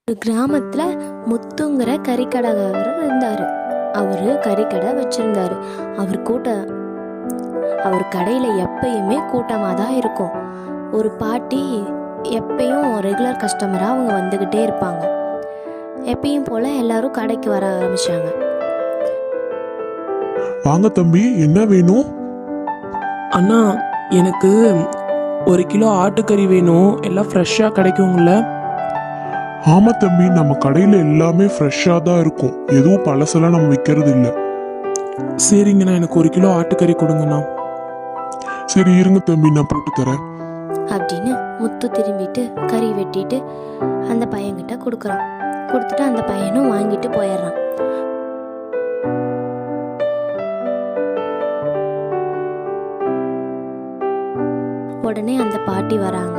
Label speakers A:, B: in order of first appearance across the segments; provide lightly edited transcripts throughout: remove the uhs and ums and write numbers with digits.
A: ஒரு கிராமத்துல முத்துங்கிற கறிக்கடைக்காரர் இருந்தாரு. அவரு கறிக்கடை வச்சிருந்தாரு. அவர் கடையில எப்பயுமே கூட்டமாக தான் இருக்கும். ஒரு பாட்டி எப்பயும் ரெகுலர் கஸ்டமரா அவங்க வந்துகிட்டே இருப்பாங்க. எப்பயும் போல எல்லாரும் கடைக்கு வர ஆரம்பிச்சாங்க.
B: வாங்க தம்பி, என்ன வேணும்?
C: அண்ணா, எனக்கு 1 கிலோ ஆட்டுக்கறி வேணும். எல்லாம் ஃப்ரெஷ்ஷாக கிடைக்குங்கள?
B: ஆமா தம்பி, நம்ம கடையில எல்லாமே ஃப்ரெஷ்ஷா தான் இருக்கும். எதுவும் பழசெல்லாம் நம்ம விற்கிறது இல்லை.
C: சரிங்கண்ணா, எனக்கு 1 கிலோ ஆட்டுக்கறி கொடுங்கண்ணா.
B: சரி இருங்க தம்பி, நான் போட்டு தரேன்
A: அப்படின்னு முத்து திரும்பிட்டு கறி வெட்டிட்டு அந்த பையன்கிட்ட கொடுக்குறான். கொடுத்துட்டு அந்த பையனும் வாங்கிட்டு போயிடுறான். உடனே அந்த பாட்டி வராங்க.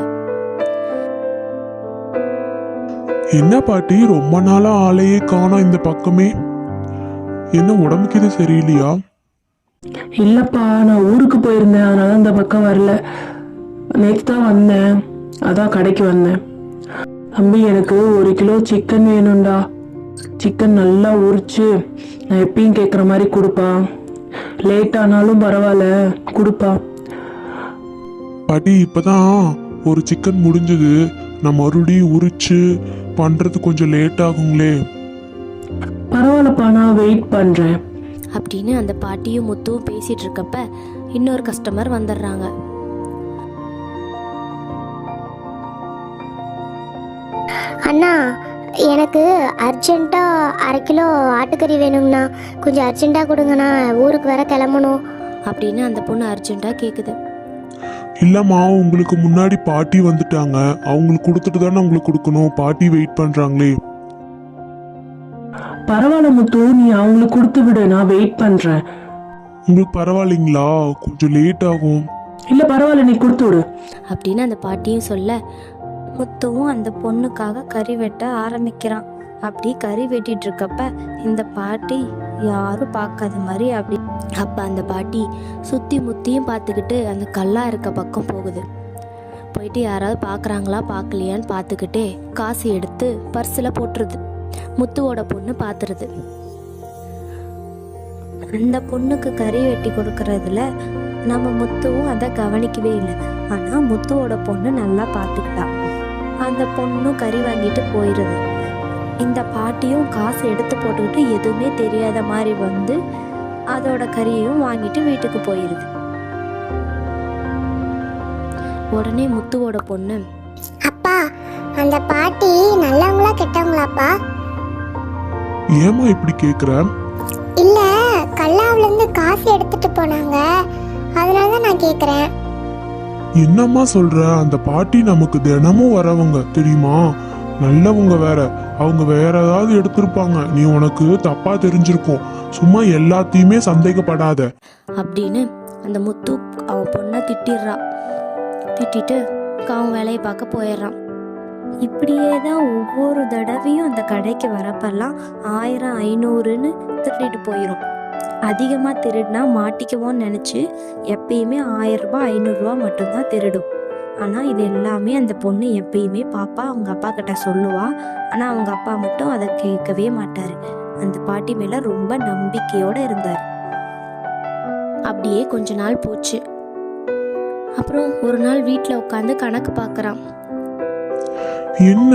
B: என்ன பாட்டி, ரொம்ப நாளா ஆளையே காணோம் இந்த பக்கமே. என்ன உடம்புக்கு இது சரியில்லையா?
C: இல்லைப்பா, நான் ஊருக்கு போயிருந்தேன், அதனால இந்த பக்கம் வரல. நேற்று தான் வந்தேன், அதான் கடைக்கு வந்தேன். தம்பி, எனக்கு 1 கிலோ சிக்கன் வேணும்டா. சிக்கன் நல்லா உரிச்சு நான் எப்பயும் கேட்குற மாதிரி கொடுப்பா. லேட் ஆனாலும் பரவாயில்ல, கொடுப்பா.
B: பாட்டி, இப்பதான் ஒரு சிக்கன் முடிஞ்சது. நான் மறுபடியும் உரிச்சு பண்றது கொஞ்சம் லேட் ஆகுங்களே.
C: பரவாயில்லப்பா, நான் வெயிட் பண்ணுறேன்
A: அப்படின்னு அந்த பாட்டியும் முத்துவும் பேசிட்டு இருக்கப்ப இன்னொரு கஸ்டமர் வந்துடுறாங்க.
D: அண்ணா, எனக்கு அர்ஜென்ட்டாக 1/2 கிலோ ஆட்டுக்கறி வேணுங்கண்ணா. கொஞ்சம் அர்ஜென்ட்டாக கொடுங்கண்ணா, ஊருக்கு வர கிளம்பணும்.
A: அப்படின்னு அந்த பொண்ணு அர்ஜென்ட்டாக கேட்குது.
B: இல்லம்மா, உங்களுக்கு முன்னாடி பாட்டி வந்துட்டாங்க. அவங்களுக்கு கொடுத்துட்டு தானே உங்களுக்கு கொடுக்கணும். பாட்டி வெயிட் பண்றாங்களே.
C: பரவாயில்ல முத்து, நீ அவங்களுக்கு கொடுத்து விடு, நான் வெயிட் பண்ணுறேன்.
B: உங்களுக்கு பரவாயில்லைங்களா? கொஞ்சம் லேட் ஆகும்.
C: இல்லை பரவாயில்ல, நீ கொடுத்து விடு
A: அப்படின்னு அந்த பாட்டியும் சொல்ல முத்துவும் அந்த பொண்ணுக்காக கறி வெட்ட ஆரம்பிக்கிறான். அப்படி கறி வெட்டிட்டு இருக்கப்ப இந்த பாட்டி யாரும் பார்க்காத மாதிரி அப்ப அந்த பாட்டி சுத்தி முத்தியும் பார்த்துக்கிட்டு அந்த கல்லா இருக்க பக்கம் போகுது. போயிட்டு யாராவது பார்க்குறாங்களா பார்க்கலையான்னு பார்த்துக்கிட்டே காசு எடுத்து பர்ஸில் போட்டுருது. முத்துவோட பொண்ணு பார்த்துருது. அந்த பொண்ணுக்கு கறி வெட்டி கொடுக்கறதுல நம்ம முத்துவும் அதை கவனிக்கவே இல்லை. ஆனால் முத்துவோட பொண்ணு நல்லா பார்த்துக்கிட்டா. அந்த பொண்ணும் கறி வாங்கிட்டு போயிடுது. இந்த பாட்டியும் காசு எடுத்து போட்டுக்கிட்டு எதுவுமே தெரியாத மாதிரி வந்து அதோட கறியையும் வாங்கிட்டு வீட்டுக்கு போயிடுது. உடனே முத்துவோட பொண்ணு,
D: அப்பா, அந்த பாட்டி நல்லவங்களா கெட்டவங்களாப்பா?
B: ஏமா இப்படி கேக்குற?
D: இல்ல, கல்லாவிலேருந்து காசு எடுத்துட்டு போனாங்க, அதனால தான் நான் கேட்குறேன்.
B: என்னம்மா சொல்ற? அந்த பாட்டி நமக்கு தினமும் வரவங்க தெரியுமா? நல்லவங்க வேற. அவங்க வேற ஏதாவது எடுத்திருப்பாங்க. நீ உனக்கு தப்பா தெரிஞ்சிருக்கும். சும்மா எல்லாத்தையுமே சந்தேகப்படாத
A: அப்படின்னு அந்த முத்து அவன் பொண்ணை திட்டிடுறான். திட்டிட்டு அவன் வேலையை பார்க்க போயிடுறான். இப்படியே தான் ஒவ்வொரு தடவையும் அந்த கடைக்கு வரப்பெல்லாம் 1000 500ன்னு திருடிட்டு போயிடும். அதிகமாக திருடினா மாட்டிக்குவோன்னு நினச்சி எப்பயுமே 1000 ரூபாய் 500 ரூபா மட்டும்தான் திருடும். ஆனால் இது எல்லாமே அந்த பொண்ணு எப்பயுமே பாப்பா அவங்க அப்பா கிட்ட சொல்லுவா. ஆனால் அவங்க அப்பா மட்டும் அதை கேட்கவே மாட்டார். அந்த பாட்டி மேலே ரொம்ப நம்பிக்கையோடு இருந்தார். அப்படியே கொஞ்ச நாள் போச்சு. அப்புறம் ஒரு நாள் வீட்டில் உட்காந்து கணக்கு பார்க்குறான்.
B: என்ன,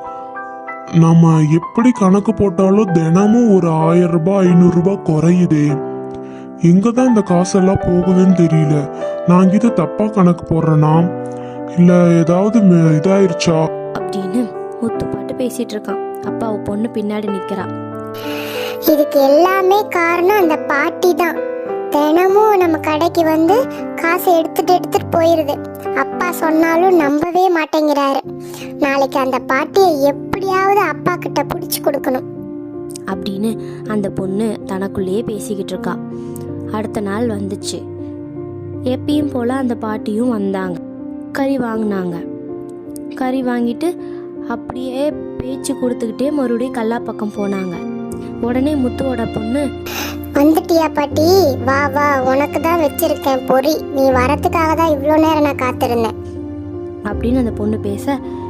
B: நம்ம எப்படி கணக்கு போட்டாலும் தினமும் ஒரு 1000 ரூபாய் 500 ரூபாய் குறையுதே. எங்கதான் இந்த காசெல்லாம் போகுதுன்னு தெரியல. நான் இது தப்பா கணக்கு போடுறேனா இல்ல ஏதாவது இதாயிருச்சா
A: அப்படின்னு முத்து பாட்டு பேசிட்டு இருக்கான். அப்பா அவ பொண்ணு பின்னாடி நிக்கிறா.
D: இதுக்கு எல்லாமே காரணம் அந்த பாட்டி தான். தினமும் நம்ம கடைக்கு வந்து காசை எடுத்துட்டு போயிருது. அப்பா சொன்னாலும் நம்பவே மாட்டேங்கிறாரு. நாளைக்கு அந்த பாட்டியை எப்படியாவது அப்பா கிட்ட பிடிச்சி கொடுக்கணும்
A: அப்படின்னு அந்த பொண்ணு தனக்குள்ளேயே பேசிக்கிட்டு இருக்கா. அடுத்த நாள் வந்துச்சு. எப்பயும் போல அந்த பாட்டியும் வந்தாங்க. கறி வாங்கினாங்க. கறி வாங்கிட்டு அப்படியே பேச்சு கொடுத்துக்கிட்டே மறுபடியும் கல்லா பக்கம் போனாங்க. உடனே முத்துவோட பொண்ணு,
D: வந்துட்டியா பாட்டி? வா வா, உனக்கு தான் வச்சிருக்கேன் பொறி. நீ வரத்துக்காக தான் இவ்வளோ நேரம் நான் காத்திருந்தேன்
A: அப்படின்னு அந்த பொண்ணு பேச,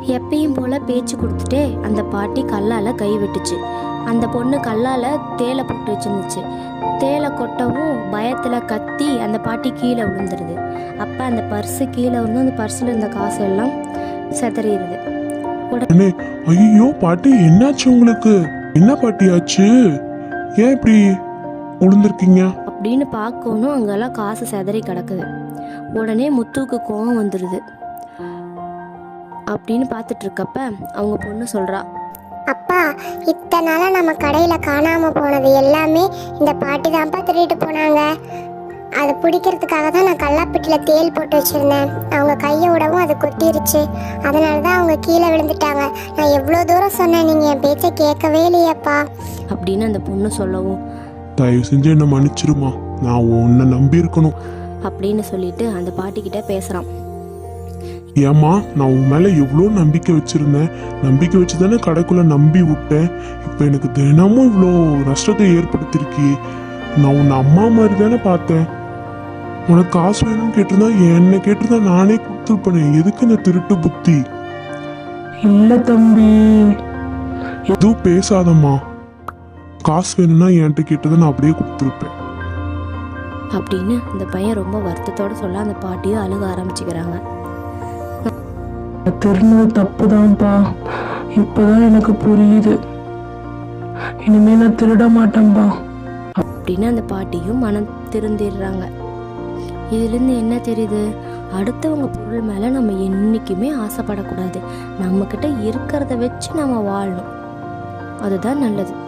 A: எப்பயும் போல பேச்சு கொடுத்துட்டே அந்த பாட்டி கல்லால் கை வெட்டுச்சு. அந்த பொண்ணு கல்லால் தேலை போட்டு வச்சுருந்துச்சு. தேலை கொட்டவும் பயத்தில் கத்தி அந்த பாட்டி கீழே விழுந்துருது. அப்போ அந்த பர்ஸு கீழே விழுந்து அந்த பர்ஸில் இருந்த காசு எல்லாம் சிதறிடுது.
B: உடனே ஐயோ பாட்டி என்னாச்சு உங்களுக்கு? என்ன பாட்டி ஆச்சு? ஏன் இப்படி விழுந்திருக்கீங்க?
A: அப்படின்னு பார்க்கணும், அங்கெல்லாம் காசு சிதறி கிடக்குது. உடனே முத்துவுக்கு கோவம் வந்துடுது. அப்படின்னு பார்த்துட்டு இருக்கப்ப அவங்க பொண்ணு சொல்கிறா,
D: அப்பா இத்தனை நாளா நம்ம கடையில் காணாமல் போனது எல்லாமே இந்த பாட்டி தான்ப்பா திருடிட்டு போனாங்க. அதை பிடிக்கிறதுக்காக தான் நான் கல்லாப்பெட்டியில் தேல் போட்டு வச்சுருந்தேன். அவங்க கையை விடவும் அது கொட்டிருச்சு. அதனால தான் அவங்க கீழே விழுந்துட்டாங்க. நான் எவ்வளோ தூரம் சொன்னேன், நீங்கள் என் பேச்சை கேட்கவே இல்லையப்பா
A: அப்படின்னு அந்த பொண்ணு சொல்லவும்,
B: தயவு செஞ்சு என்ன மன்னிச்சிருமா, நான் உன்னை நம்பி இருக்கணும்
A: அப்படின்னு சொல்லிட்டு அந்த பாட்டிக்கிட்ட பேசுகிறான்.
B: ஏம்மா, நான் உன் மேல எவ்வளோ நம்பிக்கை வச்சிருந்தேன். நம்பிக்கை வச்சு தானே கடைக்குள்ள நம்பி விட்டேன். இப்போ எனக்கு தினமும் இவ்வளோ நஷ்டத்தை ஏற்படுத்திருக்கி. நான் உன்னை அம்மா மாதிரி தானே பார்த்தேன். உனக்கு காசு வேணும்னு கேட்டிருந்தா என்ன கேட்டிருந்தா நானே கொடுத்துருப்பேனே. எதுக்கு இந்த திருட்டு புத்தி?
C: இல்லை தம்பி.
B: எதுவும் பேசாதம்மா. காசு வேணும்னா என்கிட்ட கேட்டதை நான் அப்படியே கொடுத்துருப்பேன்
A: அப்படின்னு அந்த பையன் ரொம்ப வருத்தத்தோடு சொல்ல அந்த பாட்டியும் அழுக ஆரம்பிச்சுக்கிறாங்க.
C: திருநது தப்பு தான்ப்பா. இப்போதான் எனக்கு புரியுது. இனிமே நான் திருட மாட்டேன்ப்பா
A: அப்படின்னு அந்த பாட்டியும் மனம் திருந்திடுறாங்க. இதுலேருந்து என்ன தெரியுது? அடுத்தவங்க பொருள் மேலே நம்ம என்றைக்குமே ஆசைப்படக்கூடாது. நம்மக்கிட்ட இருக்கிறத வச்சு நம்ம வாழணும். அதுதான் நல்லது.